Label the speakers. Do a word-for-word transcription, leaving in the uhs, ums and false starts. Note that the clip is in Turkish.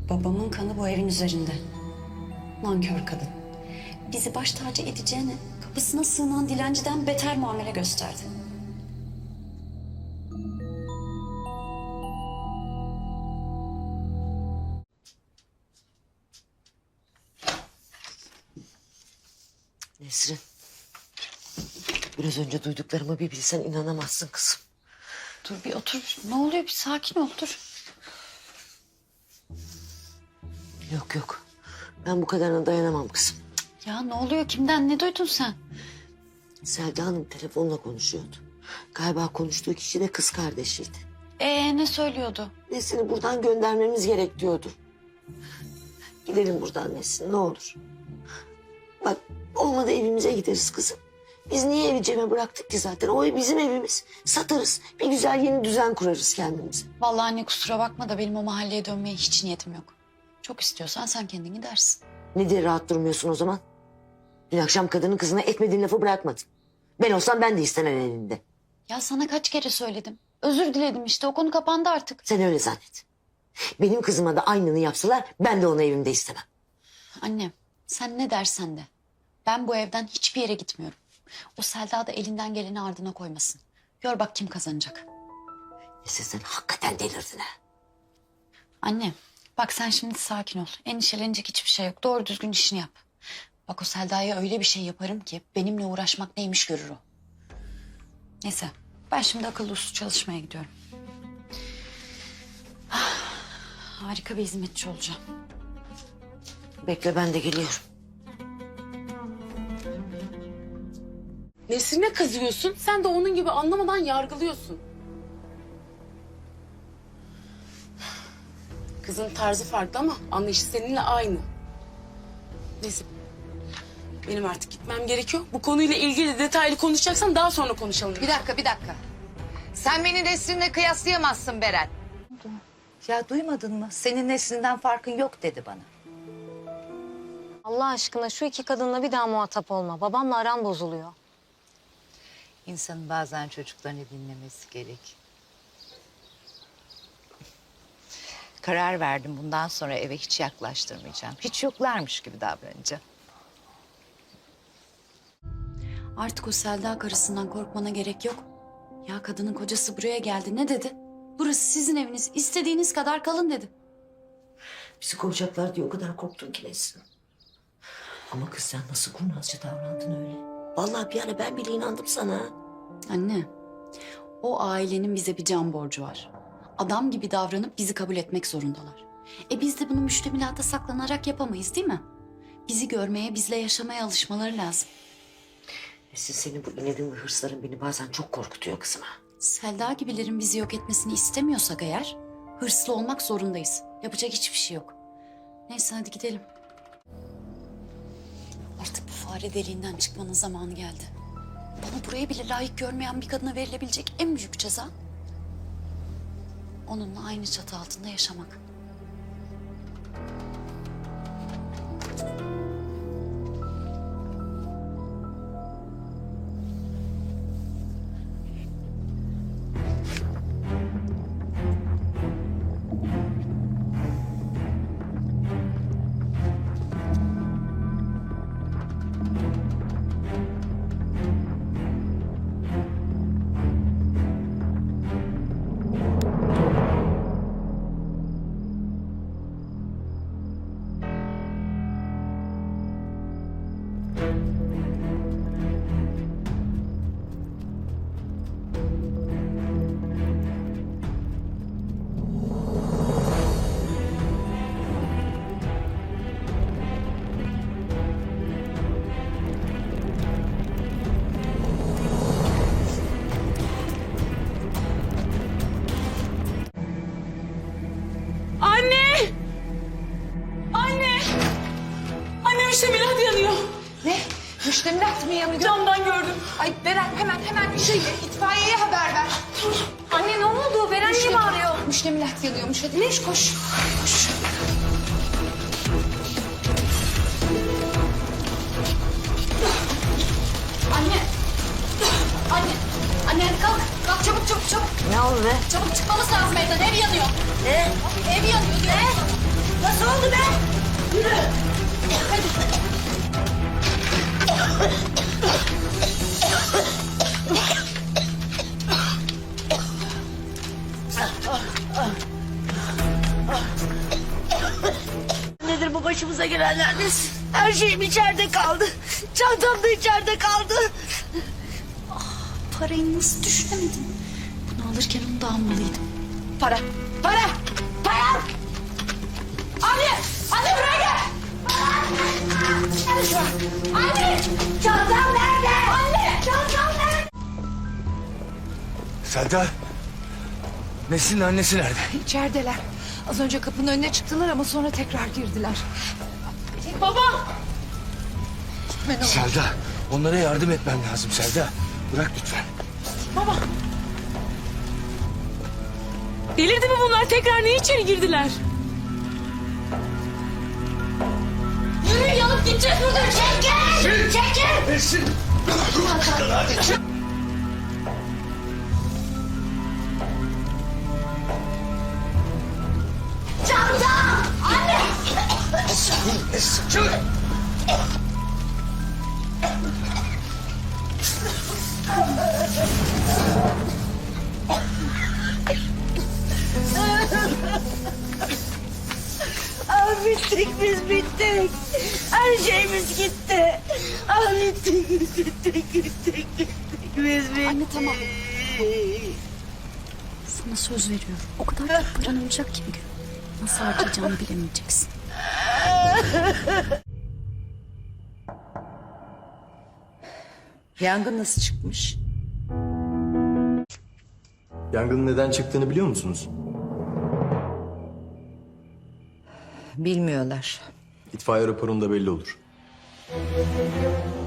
Speaker 1: Babamın kanı bu evin üzerinde. Nankör kadın. Bizi baş tacı edeceğine kapısına sığınan dilenciden beter muamele gösterdi.
Speaker 2: Nesrin, biraz önce duyduklarımı bir bilsen inanamazsın kızım.
Speaker 1: Dur bir otur. Ne oluyor? Bir sakin ol. Dur.
Speaker 2: Yok yok, ben bu kadarına dayanamam kızım.
Speaker 1: Ya ne oluyor? Kimden? Ne duydun sen?
Speaker 2: Selda Hanım telefonla konuşuyordu. Galiba konuştuğu kişi de kız kardeşiydi.
Speaker 1: Ee ne söylüyordu?
Speaker 2: Nesrin'i buradan göndermemiz gerek diyordu. Gidelim buradan Nesrin, ne olur. Bak, olmadı evimize gideriz kızım. Biz niye evi Cem'e bıraktık ki zaten? O ev bizim evimiz. Satarız. Bir güzel yeni düzen kurarız kendimize.
Speaker 1: Vallahi anne kusura bakma da benim o mahalleye dönmeye hiç niyetim yok. Çok istiyorsan sen kendin gidersin.
Speaker 2: Ne diye rahat durmuyorsun o zaman? Dün akşam kadının kızına etmediğin lafı bırakmadın. Ben olsam ben de istemem elinde.
Speaker 1: Ya sana kaç kere söyledim. Özür diledim işte. O konu kapandı artık.
Speaker 2: Sen öyle zannet. Benim kızıma da aynını yapsalar ben de onu evimde istemem.
Speaker 1: Annem sen ne dersen de. Ben bu evden hiçbir yere gitmiyorum. O Selda da elinden geleni ardına koymasın. Gör bak kim kazanacak.
Speaker 2: Neyse sen hakikaten delirdin ha.
Speaker 1: Anne bak sen şimdi sakin ol. Endişelenecek hiçbir şey yok. Doğru düzgün işini yap. Bak o Selda'ya öyle bir şey yaparım ki benimle uğraşmak neymiş görür o. Neyse ben şimdi akıllı uslu çalışmaya gidiyorum. Ah, harika bir hizmetçi olacağım.
Speaker 2: Bekle ben de geliyorum.
Speaker 3: Nesrine kızıyorsun, sen de onun gibi anlamadan yargılıyorsun. Kızın tarzı farklı ama anlayışı seninle aynı. Neyse, benim artık gitmem gerekiyor. Bu konuyla ilgili detaylı konuşacaksan daha sonra konuşalım.
Speaker 4: Bir dakika, bir dakika. Sen beni Nesrin'le kıyaslayamazsın Beren. Ya duymadın mı? Senin Nesrin'den farkın yok dedi bana.
Speaker 5: Allah aşkına şu iki kadınla bir daha muhatap olma. Babamla aran bozuluyor.
Speaker 4: İnsanın bazen çocuklarını dinlemesi gerek. Karar verdim, bundan sonra eve hiç yaklaştırmayacağım. Hiç yoklarmış gibi davranacağım.
Speaker 1: Artık o Selda karısından korkmana gerek yok. Ya kadının kocası buraya geldi ne dedi? Burası sizin eviniz. İstediğiniz kadar kalın dedi.
Speaker 2: Bizi kovacaklar diye o kadar korktun ki Nesrin. Ama kız sen nasıl kurnazca davrandın öyle. Vallahi bir ara ben bile inandım sana.
Speaker 1: Anne, o ailenin bize bir can borcu var. Adam gibi davranıp bizi kabul etmek zorundalar. E biz de bunu müştemilata saklanarak yapamayız değil mi? Bizi görmeye, bizle yaşamaya alışmaları lazım.
Speaker 2: Nesrin senin bu inadın ve hırsların beni bazen çok korkutuyor kızım ha.
Speaker 1: Selda gibilerin bizi yok etmesini istemiyorsak eğer... ...hırslı olmak zorundayız. Yapacak hiçbir şey yok. Neyse hadi gidelim. Artık bu fare deliğinden çıkmanın zamanı geldi. Bana burayı bile layık görmeyen bir kadına verilebilecek en büyük ceza... ...onunla aynı çatı altında yaşamak.
Speaker 3: Anne! Anne! Anne müştemilat yanıyor.
Speaker 4: Ne? Müştemilat mı yanıyor?
Speaker 3: Camdan gördüm.
Speaker 4: Ay Beren hemen hemen bir şey itfaiyeye haber ver.
Speaker 5: Anne ne oldu? Beren niye bağırıyor?
Speaker 4: Müştemilat yanıyormuş. Hadi Neş koş. Koş.
Speaker 1: Anne! Anne! Anne hadi kalk. Kalk çabuk çabuk çabuk.
Speaker 2: Ne oldu be?
Speaker 1: Çabuk çıkmamız lazım evden. Ev yanıyor.
Speaker 2: Ne?
Speaker 1: Ev yanıyor diyor. Ne?
Speaker 2: Nasıl Nedir bu başımıza gelenler nesin? Her şeyim içeride kaldı. Çantam da içeride kaldı.
Speaker 1: Parayı nasıl düşünemedim? Bunu alırken onu da almalıydım.
Speaker 2: Para, para, para! Anne, anne buraya gel! Anne, çantam nerede? Anne, çantam nerede?
Speaker 6: Selda. Nesin annesi nerede?
Speaker 7: İçerideler. Az önce kapının önüne çıktılar ama sonra tekrar girdiler.
Speaker 6: Selda. Onlara yardım etmem lazım Selda. Bırak lütfen.
Speaker 3: Delirdi mi bunlar? Tekrar ne içeri girdiler?
Speaker 2: Yürü yanıp gideceğiz buradan. Çekil! Çekil!
Speaker 6: Nesin?
Speaker 2: Çantam! Anne!
Speaker 6: Nesin? Çık!
Speaker 2: Ah bittik biz bittik. Her şeyimiz gitti. Ah bittik biz bittik bittik bittik biz bittik.
Speaker 1: Anne, tamam. Sana söz veriyorum. O kadar çok paran olacak ki bir gün. Nasıl harcayacağını bilemeyeceksin.
Speaker 7: Yangın nasıl çıkmış?
Speaker 8: Yangının neden çıktığını biliyor musunuz?
Speaker 7: Bilmiyorlar.
Speaker 8: İtfaiye raporunda belli olur.